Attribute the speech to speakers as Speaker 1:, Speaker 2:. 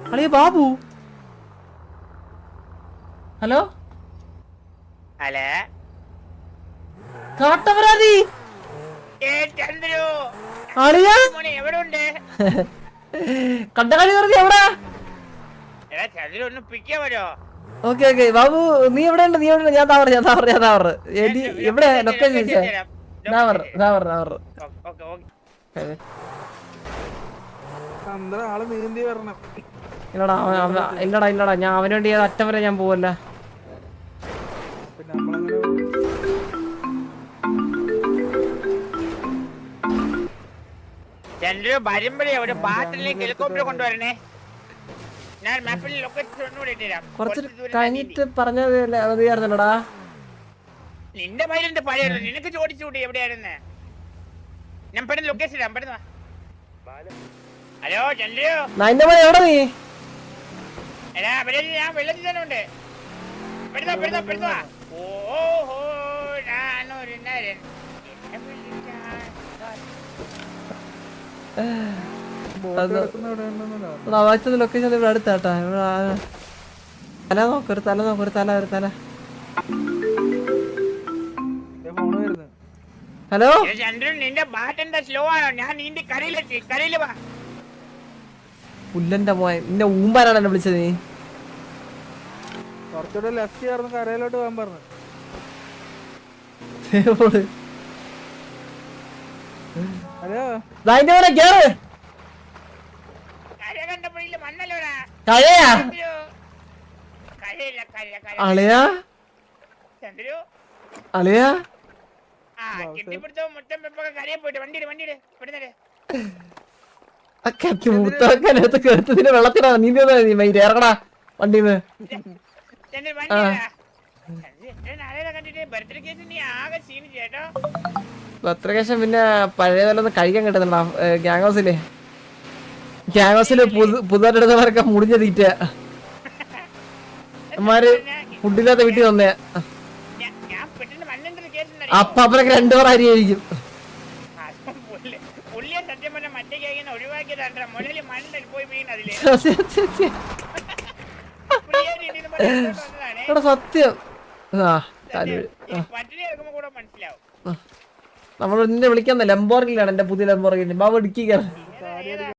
Speaker 1: അളിയ Babu. Hello
Speaker 2: hello
Speaker 1: കാട്ടവരാതി
Speaker 2: ചന്ദ്രു
Speaker 1: അളിയ
Speaker 2: മോനെ എവിടെ ഉണ്ട്?
Speaker 1: കണ്ടകളി പറഞ്ഞ എവിടാ?
Speaker 2: എടാ ചന്ദ്രു ഒന്ന് പിക്കാൻ വരുമോ?
Speaker 1: ഓക്കെ ഓക്കെ ബാബു നീ എവിടെ ഉണ്ട്? നീ എവിടെ? ഞാൻ താവറ എവിടെ ലൊക്കേഷൻ ചോദിച്ചാ? ഇല്ലടാ ഞാൻ അവന് വേണ്ടി അറ്റം വരെ ഞാൻ പോവല്ല.
Speaker 2: ചന്ദ്രു വരുമ്പോഴേ ഒരു ബാറ്റിലേക്ക് ഹെലികോപ്റ്റർ കൊണ്ടുവരണേ. ഞാൻ മാപ്പിൽ ലൊക്കേഷൻ ഒന്നുകൂടെ ഇട്ടുതരാം.
Speaker 1: കുറച്ച് കഴിഞ്ഞിട്ട് പറഞ്ഞതായിരുന്നല്ലടാ.
Speaker 2: നിന്റെ മയിലിന്റെ പഴയ നിനക്ക് ചോദിച്ചുകൂടി എവിടെയായിരുന്നേ? ഞാൻ പെട്ടെന്ന് ലൊക്കേഷൻ ഇടാം. പെട്ടെന്ന് ഹലോ ചന്ദ്രു
Speaker 1: എവിടെ നീ?
Speaker 2: എടാ ഞാൻ വെള്ളത്തിൽ തന്നെ ഉണ്ട്. പെടുന്ന ഓഹോ ഞാനൊരു നരൻ.
Speaker 1: ലൊക്കേഷൻ ഇവിടെ അടുത്താട്ടാ. തല നോക്കൊരു തല. ഹലോ
Speaker 2: ചന്ദ്രൻ നിന്റെ ബാറ്റ് എന്താ സ്ലോ ആണോ? ഞാൻ നീന്തി കരയില് വാ.
Speaker 1: പുല്ലന്റെ മോൻ നിന്നെ ഊമ്പാനാണ് എന്നെ വിളിച്ചത്. നീ
Speaker 3: കുറച്ചുകൂടെ ലെഫ്റ്റ് ചേർന്ന് കരയിലോട്ട് പോകാൻ പറഞ്ഞു. ഹലോ
Speaker 1: കേറ്.
Speaker 2: കര കണ്ടപ്പോഴില്ല മണ്ണല്ലോടാ.
Speaker 1: കഴയാ അളിയാ
Speaker 2: ചന്ദ്രു
Speaker 1: അളിയാ
Speaker 2: കെട്ടിപ്പിടുത്തോ മുറ്റം വെപ്പൊക്കെ കരയെ പോയിട്ട് വണ്ടിയിട് പെടുന്നേ.
Speaker 1: മുത്തൊക്കെ കേട്ടതിന് വെള്ളത്തിനാ നീ ഇറങ്ങടാ വണ്ടിന്ന്. ബർത്ത്ഡേക്കേഷൻ പിന്നെ പഴയതല്ലൊന്ന് കഴിക്കാൻ കിട്ടുന്നുണ്ടാ. ഗ്യാങ് ഹൗസില് പുതുതായിട്ടെടുത്തവരൊക്കെ മുടിഞ്ഞ തീറ്റ അമ്മാര് ഫുഡില്ലാത്ത വീട്ടിൽ വന്നേ. അപ്പനൊക്കെ 2 പേർ അരിയായിരിക്കും. സത്യം നമ്മൾ നിന്നെ വിളിക്കാൻ ലംബോർഗിലാണ്. എന്റെ പുതിയ ലംബോർഗിൽ ബാബു ഇടുക്കി.